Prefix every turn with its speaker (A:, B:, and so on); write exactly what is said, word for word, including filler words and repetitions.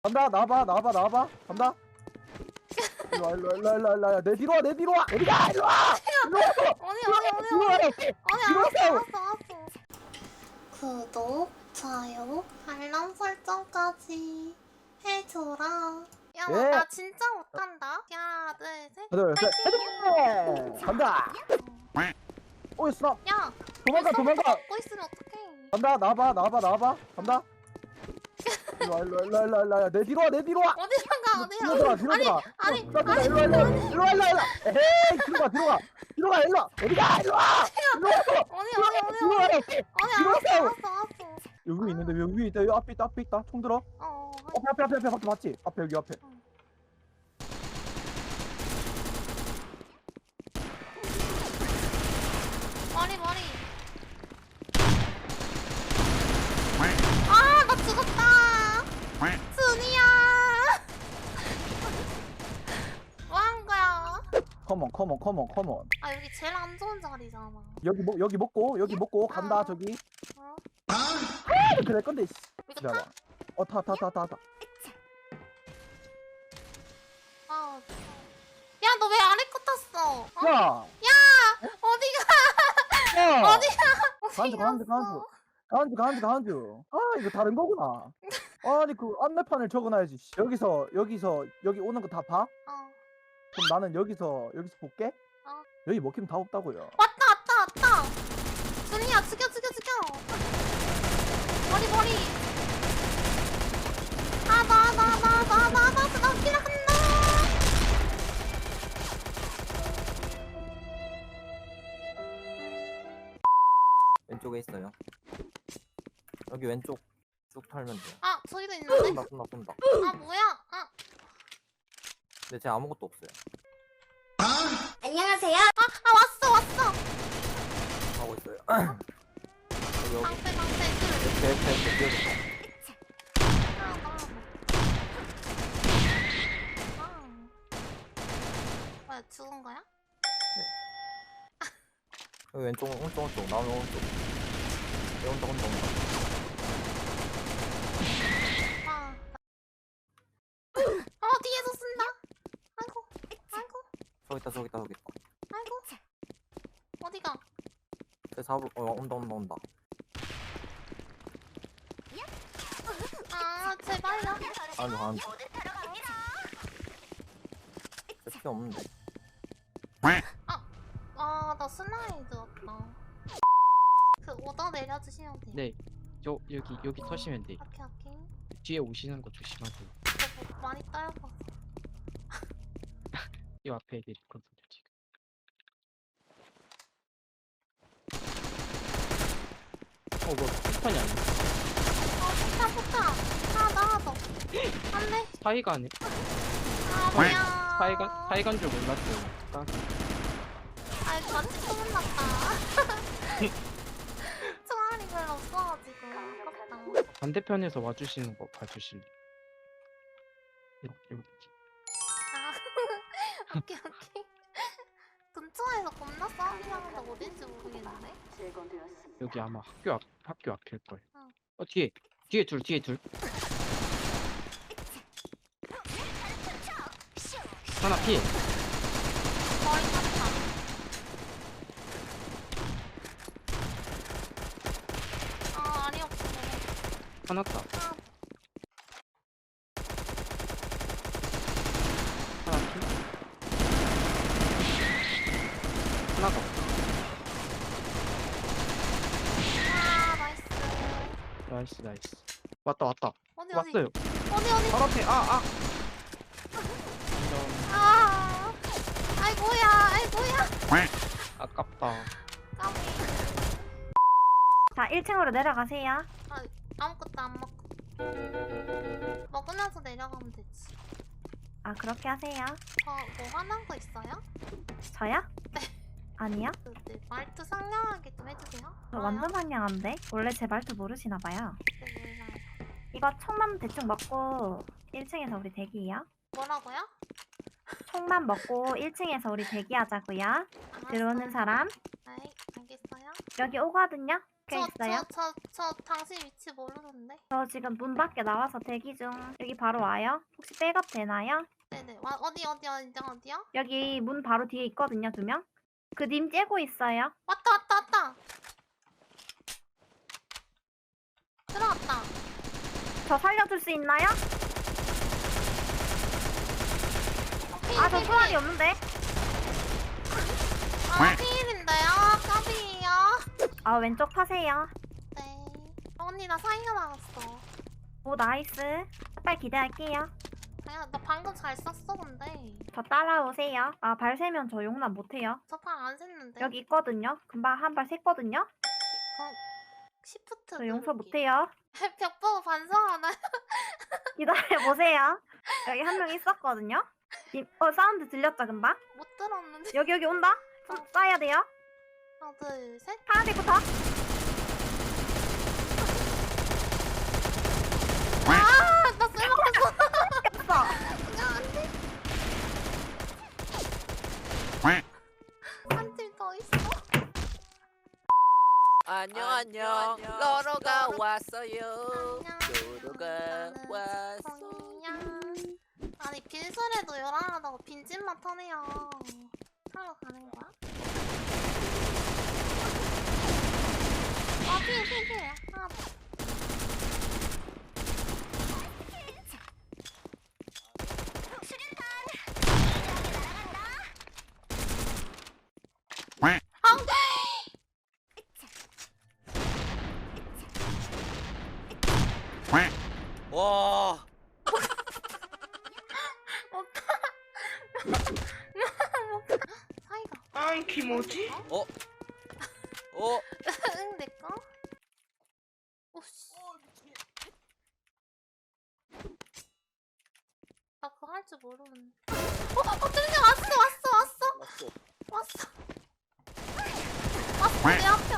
A: 간다. 나와봐 나와봐 나와봐. 간다. 일로와 일로와 일로와 일로와 일로와. 내 뒤로 와 내 뒤로 와. 어디가 일로와. 일로와.
B: 어디 어디 어디
A: 일로와.
B: 어디 어디 알았어
A: 일로와.
B: 알았어 알았어. 구독 좋아요 알람 설정까지 해줘라. 야 나
A: 예.
B: 나 진짜 못한다. 하나 둘셋
A: 하나 둘 셋. 헤드. 간다. 오이 스나.
B: 야
A: 도망가 도망가.
B: 먹고 있으면 어떡해.
A: 간다. 나와봐 나와봐 나와봐. 간다. 일로와 일로와 일로와 일로와 일로와. 내 뒤로 와 내 뒤로 와.
B: 어디로 가
A: 뒤로
B: 어디로
A: 들어가
B: 가.
A: 뒤로
B: 아니
A: 들어가.
B: 아니
A: 일로와
B: 아니
A: 일로와 일로와 일로와 일로와 일로와. 에이 들어가 들어가. 들어가 일로와. 어디가 일로와. 일로와.
B: 어디 어디 어디
A: 일로와.
B: 어디 어디 알았어 알았어 알았어.
A: 여기 있는데 여기 위에 있다. 여기 앞에 있다 앞에 있다. 총 들어.
B: 어
A: 앞에 앞에 앞에 앞에 밖에 봤지? 앞에 여기 앞에.
B: 머리 머리. 아 나 죽었다. 준이야. 뭐 한 거야?
A: 컴온 컴온 컴온 컴온.
B: 아 여기 제일 안 좋은 자리잖아.
A: 여기 먹 여기 먹고 여기 먹고 간다
B: 어.
A: 저기.
B: 어?
A: 그래 건데. 씨.
B: 이거
A: 기다려.
B: 타?
A: 어타 타 타 타 타.
B: 아. 야 너 왜 아래 거 탔어? 어?
A: 야.
B: 어디가?
A: 야.
B: 어디가?
A: 간주 간주 간주. 간주 간주 간주. 아 이거 다른 거구나. 아니 그 안내판을 적어놔야지. 씨. 여기서 여기서 여기 오는 거 다 봐?
B: 어.
A: 그럼 나는 여기서 여기서 볼게.
B: 어.
A: 여기 먹히면 다 없다고요.
B: 왔다 왔다 왔다. 준이야 죽여 죽여 죽여. 머리 머리. 아나나나나나나나 기라간다.
C: 왼쪽에 있어요. 여기 왼쪽 쭉 털면 돼요.
B: 아 저기도 있는데?
C: 쏜다 쏜다 쏜다.
B: 아 뭐야? 아.
C: 근데 제 아무것도 없어요.
B: 안녕하세요. 아, 아 왔어 왔어.
C: 하고 있어요. 여기 여기
B: 방패 방패 둘.
C: 제 제 제
B: 하나 더. 아. 뭐야 죽은 거야?
C: 여기 왼쪽 오른쪽 오른쪽 나오면 오른쪽. 여기 온다 온다 온다.
B: 아. 어 뒤에서 쓴다. 아이고 아이고
C: 저기 있다 저기 있다 저기 있다.
B: 아이고. 어디가?
C: 제 잡을 어 온다 온다 온다.
B: 아 제발요.
C: 아니 아니. 제피 없는데.
B: 아나 슬라이드 왔다. 그 오더 내려주시면 돼요.
D: 네, 저 여기 여기 터시면 돼.
B: 오케이 오케이.
D: 뒤에 오시는 거 조심하세요.
B: 저 뭐 많이 따여서.
D: 이 앞에 애들이 있거든요 지금. 어, 뭐 폭탄이 아니야?
B: 어 폭탄 폭탄. 하나 더 하나 더. 안돼.
D: 사이가 아니.
B: 아 뭐야.
D: 사이가 사이간 줄 몰랐어요. 딱
B: 아이 같이 소문났다. 총알이 별로 없어가지고 아깝다.
D: 반대편에서 와주시는 거 봐주실래? 이렇게 이렇게.
B: 아 오케이 오케이. 근처에서 겁나 싸움이 나는데 어딘지 모르겠는데.
D: 여기 아마 학교 앞 학교 앞일 거예요.
B: 어.
D: 어 뒤에 뒤에 둘 뒤에 둘. 하나 피.
B: 머리 탔다. 아 알이 없어.
D: 하나 다.
B: 아
D: 하나 피. 하나 더.
B: 아, 나이스.
D: 나이스 나이스. 왔다 왔다.
B: 어디 어디
D: 왔어요.
B: 어디 어디.
D: 바로 앞에. 아 아.
B: 아 아이고야 아이고야.
D: 아깝다.
B: 까비.
E: 자, 일 층으로 내려가세요.
B: 아 아무것도 안 먹고. 먹으면서 내려가면 되지.
E: 아, 그렇게 하세요.
B: 어뭐 화난 거 있어요?
E: 저요? 아니요?
B: 그, 네, 말투 상냥하게 좀 해주세요.
E: 저 완전 상냥한데? 원래 제 말투 모르시나봐요.
B: 네, 몰라요.
E: 이거 총만 대충 먹고 일 층에서 우리 대기해요.
B: 뭐라고요?
E: 총만 먹고 일 층에서 우리 대기하자고요. 들어오는 사람
B: 네, 알겠어요.
E: 여기 오거든요? 박혀 있어요?
B: 저, 저, 저 당신 위치 모르는데.
E: 저 지금 문 밖에 나와서 대기 중. 여기 바로 와요? 혹시 백업 되나요?
B: 네네. 와, 어디 어디 어디 어디요?
E: 여기 문 바로 뒤에 있거든요, 두 명. 그 님 째고 있어요.
B: 왔다 왔다 왔다. 들어왔다.
E: 저 살려줄 수 있나요?
B: 어, 필,
E: 아, 저
B: 필,
E: 총알이
B: 필.
E: 없는데?
B: 아, 피일인데요. 까비요.
E: 아, 왼쪽 타세요.
B: 네. 언니 나 사이가 나왔어.
E: 오, 나이스. 빨리 기대할게요.
B: 야, 나 방금 잘 썼어 근데.
E: 저 따라오세요. 아, 발 세면 저 용납 못해요.
B: 저 방 안 샜는데.
E: 여기 있거든요. 금방 한 발 샜거든요.
B: 그 시프트.
E: 저 용서
B: 누르기.
E: 못해요.
B: 벽 보고 반성하나?
E: 기다려보세요. 여기 한 명 있었거든요. 님, 어, 사운드 들렸죠, 금방?
B: 못 들었는데.
E: 여기, 여기 온다? 손 쏴야 돼요.
B: 하나 둘 셋.
E: 파란색부터.
B: 아, 나 쓸모없어.
E: 꼈어.
B: 야, 안 돼. 한 팀 더 있어.
F: 안녕 안녕 러러가 왔어요.
B: 안녕.
F: 러러가
B: 나는
F: 왔어.
B: 스콩이야. 아니 빈소리도 요란하다고 빈집만 터네요. 하러 가는 거야? 아 피해 피해 피해. 하나 더. 안 돼!
F: 와
B: 사이가.
G: 아이 김어지?
F: 어? 어?
B: 응 내꺼? 오씨. 나 그거 할 줄 모르는데. 어, 어, 뚜루냥 왔어, 왔어, 왔어,
F: 왔어.
B: 왔어. 왔어, 내 앞에.